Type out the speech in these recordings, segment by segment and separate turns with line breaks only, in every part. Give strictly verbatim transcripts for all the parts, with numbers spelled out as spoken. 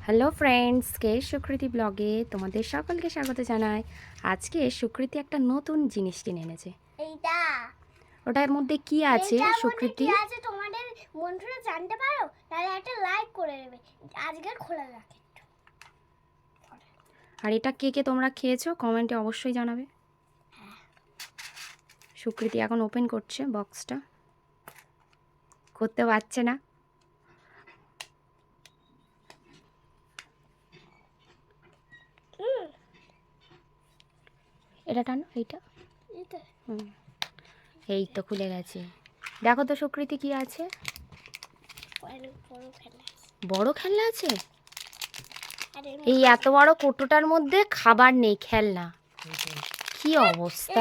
Hello friends, কে সুকৃতি ব্লগে তোমাদের সকলকে স্বাগত জানাই। আজকে সুকৃতি একটা নতুন জিনিস কিনে এনেছে।
এইটা
ওটার মধ্যে কি আছে সুকৃতি?
কি আছে তোমাদের বন্ধুরা জানতে পারো, তাহলে একটা লাইক করে দেবে। আজকে খোলা রাখে।
আর এটা কে কে তোমরা খেয়েছো কমেন্টে অবশ্যই জানাবে। সুকৃতি এখন ওপেন করছে বক্সটা, করতে পারছে না। এটা টানো, এইটা হুম এই তো খুলে গেছে। দেখো তো সুকৃতি কি আছে। বড় খেলনা আছে। এই এত বড় কৌটোটার মধ্যে খাবার নেই, খেলনা। কি অবস্থা!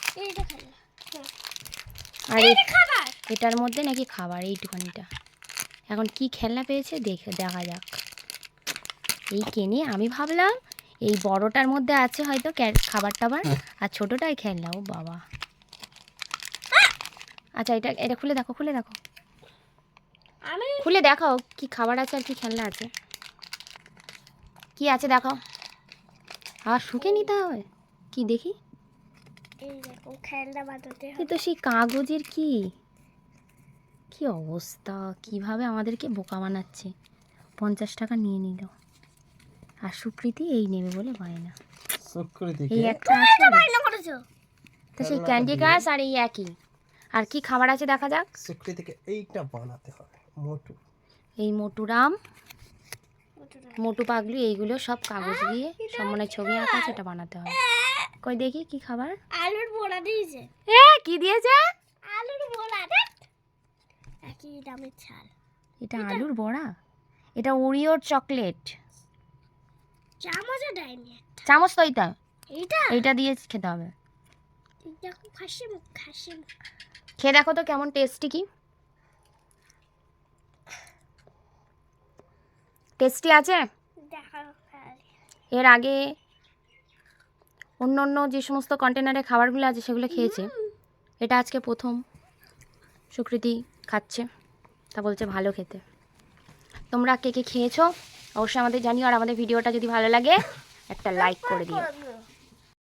আর এটার মধ্যে নাকি খাবার, এইটুখানিটা। এখন কি খেলনা পেয়েছে দেখে দেখা যাক। এই কেনে আমি ভাবলাম এই বড়টার মধ্যে আছে হয়তো খাবার টাবার, আর ছোটটাই খেলনা। ও বাবা! আচ্ছা, এটা এটা খুলে দেখো, খুলে দেখো, খুলে দেখাও কি খাবার আছে আর কি খেলনা আছে। কি আছে দেখাও। আবার শুকে নিতে হবে কি দেখি।
এই দেখো খেলনা বানাতে হবে।
এ তো সেই কাগজের। কি কি অবস্থা! কিভাবে আমাদেরকে বোকা বানাচ্ছে। পঞ্চাশ টাকা নিয়ে নিল, আর সুকৃতি এই নেবে বলে বায়না। এই একটা আছে তো সেই ক্যান্ডি ক্রাশ, আর এই একই। আর কি খাবার আছে দেখা যাক।
সুকৃতিকে এইটা বানাতে হবে। মোটু,
এই মোটুরাম, মোটু পাগলু, এইগুলো সব কাগজ দিয়ে সব মনে ছবি আঁকা আছে, এটা বানাতে হবে। কই দেখি কি খাবার।
আলুর বড়া দিয়েছে।
এ কি দিয়েছে?
আলুর বড়া। একই দামের ছাল।
এটা আলুর বড়া। এটা ওরিওর চকলেট।
চামচও দেয়নি।
চামচ তো এইটা,
এইটা
এইটা দিয়ে খেতে হবে।
দেখো খাসি মুখ, খাসি মুখ।
খেয়ে দেখো তো কেমন টেস্টি। কি টেস্টি আছে। এর আগে অন্য অন্য যে সমস্ত কন্টেনারে খাবারগুলো আছে সেগুলো খেয়েছে, এটা আজকে প্রথম সুকৃতি খাচ্ছে, তা বলছে ভালো খেতে। তোমরা কে কে খেয়েছো অবশ্যই আমাদের জানিও, আর আমাদের ভিডিওটা যদি ভালো লাগে একটা লাইক করে দিও।